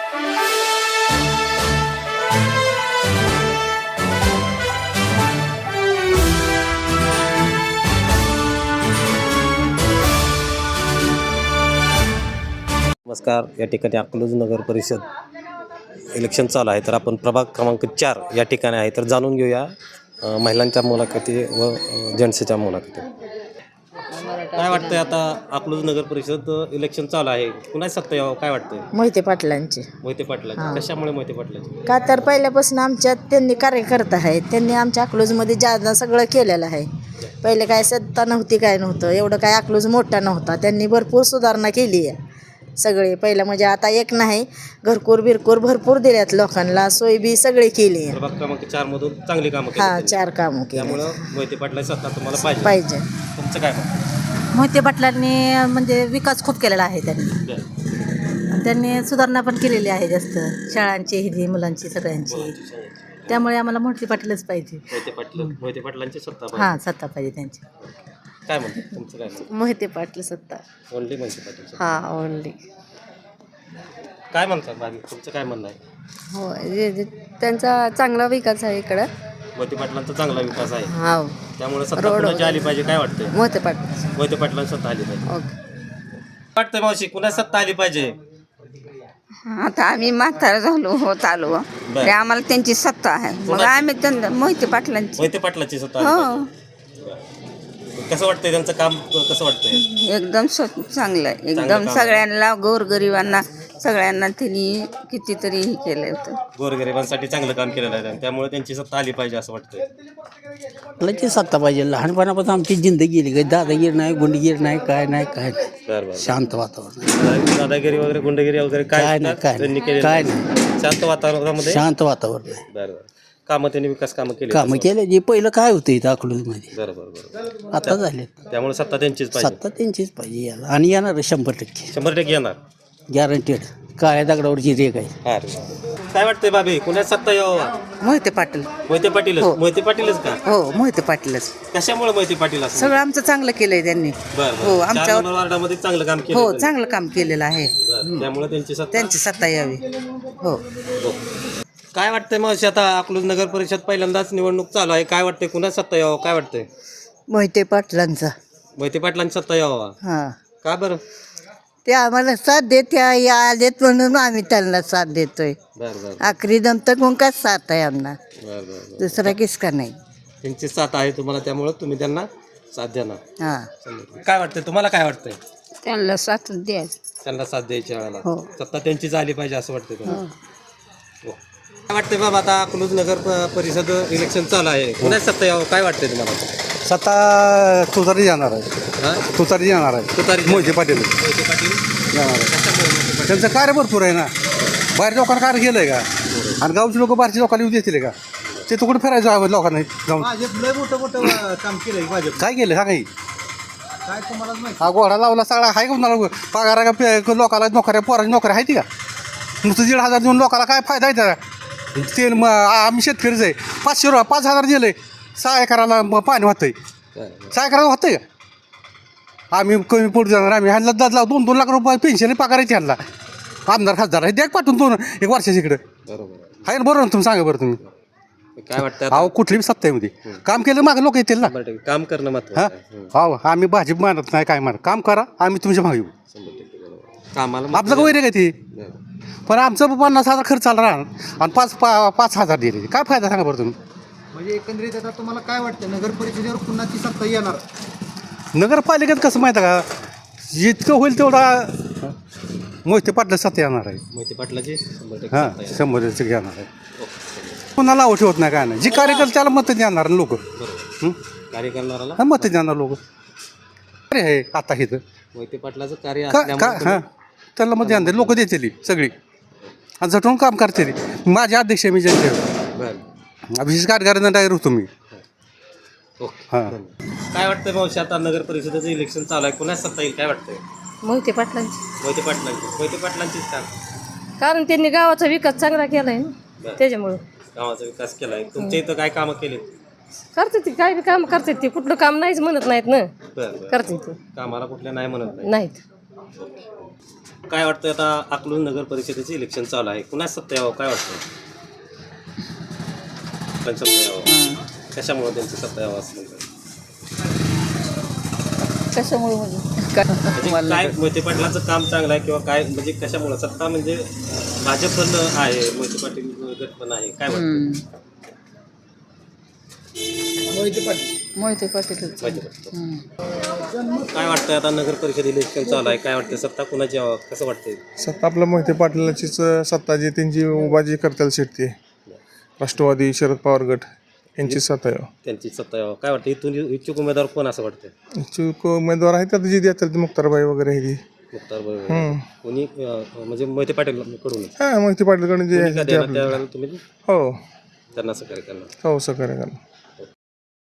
नमस्कार. या ठिकाणी अकलूज नगर परिषद इलेक्शन चालू आहे, तर आपण प्रभाग क्रमांक 4 या ठिकाणी आहे, तर जाणून घेऊया महिलांच्या मुलाखती व जेंट्सच्या मुलाखती. काय वाटतंय आता अकलूज नगर परिषद इलेक्शन चालू आहे, कुणाची सत्ता यावं काय वाटतंय? मोहिते पाटलांचे. मोहिते पाटलांची. कशामुळे मोहिते पाटलांची? का तर पहिल्यापासून आमच्यात त्यांनी कार्यकर्ता आहेत, त्यांनी आमच्या अकलूजमध्ये जादा सगळं केलेलं आहे. पहिले काय सत्ता नव्हती, काय नव्हतं, एवढं काय अकलूज मोठा नव्हता, त्यांनी भरपूर सुधारणा केली आहे सगळे. पहिलं म्हणजे आता एक नाही, घरकूर बिरकूर भरपूर दिल्यात लोकांना, सोय बी सगळे केली आहे. प्रभाग क्रमांक 4 मधून चांगली कामं केली. 4 कामं केली, त्यामुळं मोहिते पाटलांची सत्ता तुम्हाला पाहिजे. तुमचं काय मत? मोहिते पाटलांनी म्हणजे विकास खूप केलेला आहे त्यांनी सुधारणा पण केलेली आहे जास्त, शाळांची हिजी मुलांची सगळ्यांची. त्यामुळे आम्हाला मोहिते पाटीलच पाहिजे. मोहिते पाटलांची सत्ता हां, सत्ता पाहिजे त्यांची. काय म्हणते तुमचं काय म्हणते? मोहिते पाटील सत्ता. ओनली मोहिते पाटील. हां, ओनली. काय म्हणतात बाकी तुमचं काय म्हणणं आहे? हो, त्यांचा चांगला विकास आहे इकडं. मोहिते पाटलांचा चांगला विकास आहे, हो. त्यामुळे सत्ता कुणाची आली पाहिजे काय वाटतंय? मोहिते पाटील. मोहिते पाटलांची सत्ता आली पाहिजे. ओके. वाटतंय मावशी कुणा सत्ता आली पाहिजे? आता आम्ही म्हातारा झालो होत आलो, तरी आम्हाला त्यांची सत्ता आहे, मग आम्ही त्यांना मोहिते पाटलांची. मोहिते पाटलांची सत्ता आली पाहिजे. कसं वाटतंय त्यांचं काम? कसं वाटतंय? एकदम चांगलं आहे, एकदम सगळ्यांना, गोरगरिबांना सगळ्यांना त्यांनी कितीतरी हे केलं होतं. गोरगरिबांसाठी चांगलं काम केलेलं आहे, त्यामुळे त्यांची सत्ता आली पाहिजे असं वाटतंय. आपल्याची सत्ता पाहिजे. लहानपणापासून आमची जिंदगी गेली, काही दादागिरी नाही, गुंडगिरी नाही, काय नाही, काय नाही. शांत वातावरण. दादागिरी वगैरे गुंडगिरी वगैरे काय नाही, काय नाही, काय नाही. शांत वातावरणामध्ये शांत वातावरण आहे. बरोबर. कामं त्यांनी विकास कामं केली. कामं केले जे पहिलं काय होतं इथं अकलूजमध्ये, बरोबर. आता झाले. त्यामुळे सत्ता त्यांचीच पाहिजे. सत्ता त्यांचीच पाहिजे याला, आणि येणार 100% 100% येणार. गॅरंटेड. काळ्या दगडावरची रेग आहे. काय वाटतंय बाबी कुणा सत्ता यावं? मोहिते पाटील. मोहिते पाटीलच. मोहिते पाटीलच का? हो, मोहिते पाटीलच. कशामुळे मोहिते पाटील असं? सगळं आमचं चांगलं केलंय त्यांनी. हो, आमच्या वार्डामध्ये चांगलं काम केलं. हो, चांगलं काम केलेलं आहे, त्यामुळे त्यांची सत्ता यावी. हो. काय वाटतंय मावशी आता अकलूज नगर परिषद पहिल्यांदाच निवडणूक चालू आहे, काय वाटतंय कुणा सत्ता यावं काय वाटतंय? मोहिते पाटलांचा. मोहिते पाटलांची सत्ता यावं. हां, का बरं? ते आम्हाला साथ देत्या आलेत म्हणून आम्ही त्यांना साथ देतोय. बरं. आखरी दम तक मुंकाच साथ आहे आम्हाला, बरं. दुसरा किसका नाही. त्यांची साथ आहे तुम्हाला, त्यामुळे तुम्ही त्यांना साथ देणार. हां. काय वाटतंय तुम्हाला? काय वाटतंय? त्यांना साथ द्यायचं. त्यांना साथ द्यायची वेळेला हो. सत्ता त्यांचीच आली पाहिजे असं वाटतंय तुम्हाला? हो. काय वाटतंय बाबा आता अकलूज नगर परिषद इलेक्शन चालू आहे, कुणाच सत्ता यावं काय वाटतंय तुम्हाला? सत्ता तुतारी जाणार आहे. तुतारी जाणार आहे. मोहिते पाटील मोहिते पाटील जाणार आहे. त्यांचं कार्य भरपूर आहे ना. बाहेर लोकांना कार्य केलंय का? आणि गावची लोक बाहेरच्या लोकांना येऊ देतील का? ते तुकडे फिरायचं आहे लोकांना जाऊन. मोठं काम केलंय भाजप. काय केलं सांगा? काय तुम्हाला माहिती? हा घोडा लावला सगळा आहे का कुणाला? पगारा का लोकाला नोकऱ्या, पोराची नोकऱ्या आहे ती का? नुसतं 1,500 देऊन लोकाला काय फायदा आहे त्याचा? ते आम्ही शेतकरीच आहे. 5,000 दिले 6 एकराला पाणी होतंय. 6 एकराला होतंय का? आम्ही कमी पुढे जाणार. आम्ही ह्यांना 2-2 लाख रुपये पेन्शन पगारायची ह्यांना. आमदार खासदार आहे, द्या पाठवून 1 वर्षाच्या इकडे. बरोबर आहे ना? बरोबर ना? तुम्ही सांगा बरं तुम्ही. काय वाटतं? अहो कुठली बी सत्ता आहे मध्ये काम केलं मागे लोक येतील ना. काम करणं महत्त्वाचं आहे. हो, आम्ही भाजप मानत नाही, काय मानत. काम करा, आम्ही तुमच्या मागे येऊ. कामाला आपलं का वैरे काय ते? पण आमचं 50,000 खर्च आला राहणार आणि 5,000 दिले, काय फायदा सांगा बरं तुम्ही? म्हणजे एकंदरीत आता तुम्हाला काय वाटतं, नगर परिषदेवर पुन्हाची सत्ता येणार? नगरपालिकेत कसं माहिती आहे का, जितकं होईल तेवढा मोहिते पाटला सत्ता येणार आहे. मोहिते पाटलाची 100% हां, सत्ता आहे. 100% येणार आहे. कुणाला आवड ठेवत नाही, काय नाही. जी कार्यकर्ते त्याला मत देणार लोक. कार्य करणाराला मत देणार लोक. अरे आहे आता इथं मोहिते पाटलाचं कार्य का असल्यामुळे हां, त्याला मत देणार लोक देतील सगळी आणि झटून काम करते. माझे अध्यक्ष मी जनते बरं. विशेष कार्यकारिणी डायर होतो मी. ओके. हां. काय वाटतंय मावशी आता नगर परिषदेचं इलेक्शन चालू आहे, कुणाच सत्ता येईल काय वाटतंय? मोहिते पाटलांची. मोहिते पाटलांचीच का? कारण त्यांनी गावाचा विकास चांगला केलाय ना, त्याच्यामुळं. गावाचा विकास केलाय. तुमच्या इथं काय कामं केली? करते ती, काय काम करते ती, कुठलं काम नाहीच म्हणत नाहीत ना. बरं. करते ती, कामाला कुठल्या नाही म्हणत नाही. नाहीत. काय वाटतं आता अकलूज नगर परिषदेचे इलेक्शन चालू आहे, कुणाच सत्ता यावं काय वाटतं? त्यांचं सत्ता यावं, कशामुळे त्यांची सत्ता यावं असं म्हणतात? कशामुळे म्हणजे काय मोहिते पाटलांचं काम चांगलं आहे किंवा काय, म्हणजे कशामुळे सत्ता, म्हणजे भाजप पण आहे, मोहिते पाटील गट पण आहे, काय वाटतं? मोहिते पाटील मोहिते पाटील. काय वाटतं आता नगर परिषद इलेक्शन चालू आहे, काय वाटतं सत्ता कुणाची यावं, कसं वाटतंय? सत्ता आपल्या मोहिते पाटलांचीच सत्ता जी त्यांची उभा जी करताल शेटते राष्ट्रवादी शरद पवार गट यांची सत्ता आहे. त्यांची सत्ता यावं, काय वाटतं इथून इच्छुक उमेदवार कोण असं वाटतं? इच्छुक उमेदवार आहेत आता जी देतात मुक्तारबाई वगैरे आहे ती. मुख्तार बरोबर कोणी म्हणजे मोहिते पाटील कडून हां मोहिते पाटीलकडून जे आहे ते आपलं- त्यावेळेला तुम्ही हो त्यांना सहकार्य करणार? हो सहकार्य करणार.